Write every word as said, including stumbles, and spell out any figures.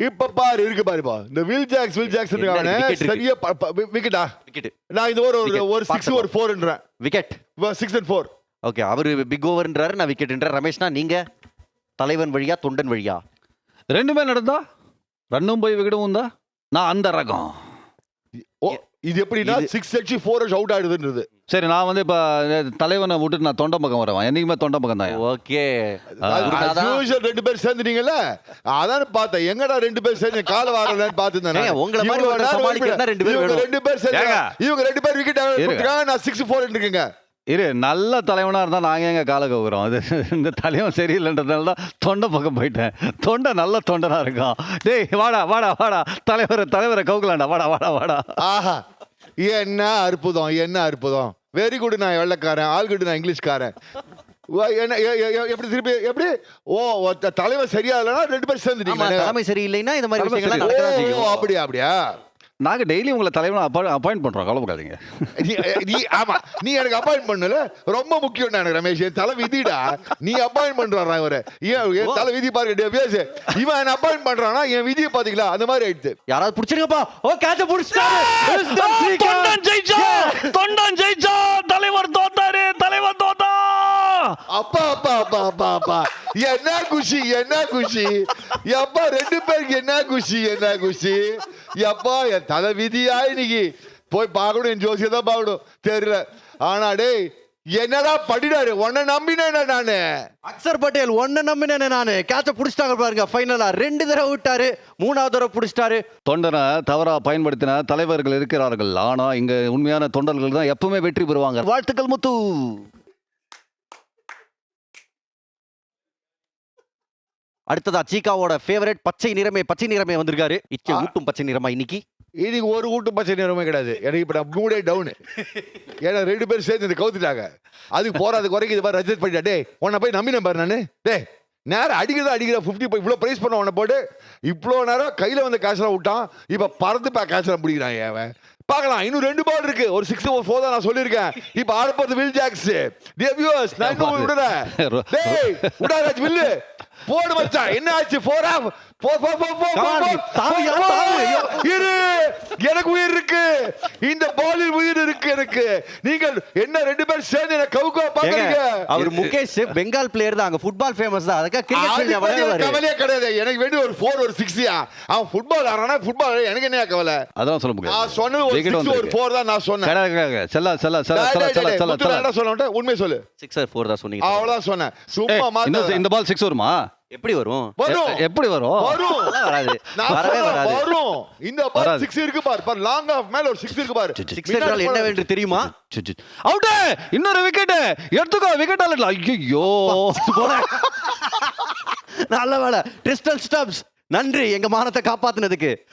இப்ப பாரு இருக்கு பாருப்பா இந்த வில் ஜாக்ஸ் வில் ஜாக்ஸ் இருக்கானே சரியா விக்கெட்டா விக்கெட் நான் இது ஒரு ஒரு சிக்ஸ் ஒரு ஃபோர்ன்றேன் wicket six and four okay அவரு பிக் ஓவர்ன்றாரு நான் விக்கெட்ன்ற ரமேஷ்னா நீங்க தலைவன் வழியா தொண்டன் வழியா ரெண்டுமே நடந்தா ரன்னும் போய் விக்கெட்டும் வந்தா நான் அந்த ரகம் இது எப்படின்னா சிக்ஸ் அடிச்சு ஃபோர் அவுட் ஆயிடுதுன்றது சரி நான் வந்து இப்ப தலைவனை விட்டுட்டு நான் தொண்ட பக்கம் வரேன் என்னைக்குமே தொண்ட பக்கம் தான் ஓகே ரெண்டு பேர் சேர்ந்துட்டீங்கல்ல அதான் பார்த்தேன் எங்கடா ரெண்டு பேர் சேர்ந்து கால வாரலன்னு பார்த்துருந்தேன் உங்களை மாதிரி சமாளிக்கிறதா ரெண்டு பேர் வேணும் ரெண்டு பேர் சேர்ந்து இவங்க ரெண்டு பேர் விக்கெட் கொடுத்துருக்காங்க நான் சிக்ஸ் ஃபோர் இருக்குங்க இரு நல்ல தலைவனா இருந்தா நாங்க எங்க கால கவுறோம் அது இந்த தலைவன் சரியில்லைன்றதுனால தான் தொண்டை பக்கம் போயிட்டேன் தொண்டை நல்ல தொண்டனா இருக்கான் டேய் வாடா வாடா வாடா தலைவரை தலைவரை கவுக்கலாண்டா வாடா வாடா வாடா ஆஹா என்ன அற்புதம் என்ன அற்புதம் வெரி குட் நான் வெள்ளக்காரன் ஆல் குட் நான் இங்கிலீஷ்காரன் என்ன எப்படி திருப்பி எப்படி ஓ தலைவர் சரியா இல்லைன்னா ரெண்டு பேர் சேர்ந்துட்டீங்க தலைமை சரியில்லைன்னா இந்த மாதிரி விஷயங்கள்லாம் நடக்கதான் செய்யும் அப்படியா அப்படியா நாங்க டெய்லி உங்களை தலைவனை அப்பாயிண்ட் பண்றோம் கவலைப்படாதீங்க நீ ஆமா நீ எனக்கு அப்பாயிண்ட் பண்ணல ரொம்ப முக்கியம் எனக்கு ரமேஷ் தலை விதிடா நீ அப்பாயிண்ட் பண்றான் இவரு ஏன் தலை விதி பாருங்க பேசு இவன் என்ன அப்பாயிண்ட் பண்றானா என் விதியை பாத்தீங்களா அந்த மாதிரி ஆயிடுச்சு யாராவது புடிச்சிருங்கப்பா ஓ கேட்ச புடிச்சிட்டாரு தொண்டன் ஜெயிச்சா தொண்டன் ஜெயிச்சா தலைவர் தோத்தாரு தலைவர் தோத்தா அப்பா அப்பா அப்பா அப்பா அப்பா என்ன குஷி என்ன குஷி அப்பா ரெண்டு பேருக்கு என்ன குஷி என்ன குஷி அப்பா என் தலை விதியா இன்னைக்கு போய் பார்க்கணும் என் ஜோசியை தான் பார்க்கணும் தெரியல ஆனா டேய் என்னடா படிடாரு உன்னை நம்பினேன் நானு அக்சர் பட்டேல் ஒன்ன நம்பினேன் நானு கேட்ச புடிச்சிட்டாங்க பாருங்க ஃபைனலா ரெண்டு தடவை விட்டாரு மூணாவது தடவை புடிச்சிட்டாரு தொண்டனை தவறா பயன்படுத்தின தலைவர்கள் இருக்கிறார்கள் ஆனா இங்க உண்மையான தொண்டர்கள் தான் எப்பவுமே வெற்றி பெறுவாங்க வாழ்த்துக்கள் முத்து அடுத்ததா சீகாவோட ஃபேவரட் பச்சை நிறமே பச்சை நிறமே வந்திருக்காரு இச்சை ஊட்டும் பச்சை நிறமா இன்னைக்கு இன்னைக்கு ஒரு ஊட்டு பச்சை நிறமே கிடையாது எனக்கு இப்ப நான் மூடே டவுனு ஏன்னா ரெண்டு பேரும் சேர்ந்து கவுத்துட்டாங்க அதுக்கு போறாதுக்கு வரைக்கும் இது மாதிரி ரஜித் பண்ணிட்டா டே உன்னை போய் நம்பினேன் பாரு நானு டே நேரம் அடிக்கிறதா அடிக்கிற ஃபிஃப்டி போய் இவ்வளோ ப்ரைஸ் பண்ண உன்னை போட்டு இவ்வளோ நேரம் கையில் வந்து கேஷ்லாம் விட்டான் இப்போ பறந்து பா கேஷ்லாம் பிடிக்கிறான் அவன் பார்க்கலாம் இன்னும் ரெண்டு பால் இருக்கு ஒரு சிக்ஸ் ஓவர் ஃபோர் தான் நான் சொல்லியிருக்கேன் இப்போ ஆட போறது வில் ஜாக்ஸ் வியூவர்ஸ் நான் இன்னும் விடுறேன் டேய் உடாராஜ் வில்லு போடு மச்சான் என்ன ஆச்சு four of four four four four இரு எனக்கு உயிர் இருக்கு இந்த பாலில் உயிர் இருக்கு எனக்கு நீங்கள் என்ன ரெண்டு பேர் சேர்ந்து என்ன கவுக்கா பாக்குறீங்க அவர் முகேஷ் பெங்கால் பிளேயர் தான் அங்க ஃபுட்பால் ஃபேமஸ் தான் அதுக்கு கிரிக்கெட் கவலையே கிடையாது எனக்கு வேண்டிய ஒரு ஃபோர் ஒரு சிக்ஸ்யா அவன் ஃபுட்பால் ஆடுறானா ஃபுட்பால் எனக்கு என்ன கவலை அதான் சொல்ல முடியாது நான் சொன்னது ஒரு சிக்ஸ் ஒரு ஃபோர் தான் நான் சொன்னேன் செல்ல செல்ல செல்ல செல்ல செல்ல செல்ல செல்ல என்ன சொல்ல உண்மை சொல்லு சிக்ஸ் ஃபோர் தான் சொன்னீங்க அவ்வளவுதான் சொன்னேன் சும்மா மாத்த இந்த பால் சிக்ஸ் வருமா எப்படி வரும் எப்படி வரும் வரும் வராது வரவே வராது வரும் இந்த பால் சிக்ஸ் இருக்கு பார் பார் லாங் ஆஃப் மேல ஒரு சிக்ஸ் இருக்கு பார் சிக்ஸ் என்றால் என்னவென்று தெரியுமா அவுட் இன்னொரு விக்கெட் எடுத்துக்கோ விக்கெட் ஆல ஐயோ நல்ல வேளை கிறிஸ்டல் ஸ்டப்ஸ் நன்றி எங்க மானத்தை காப்பாத்துனதுக்கு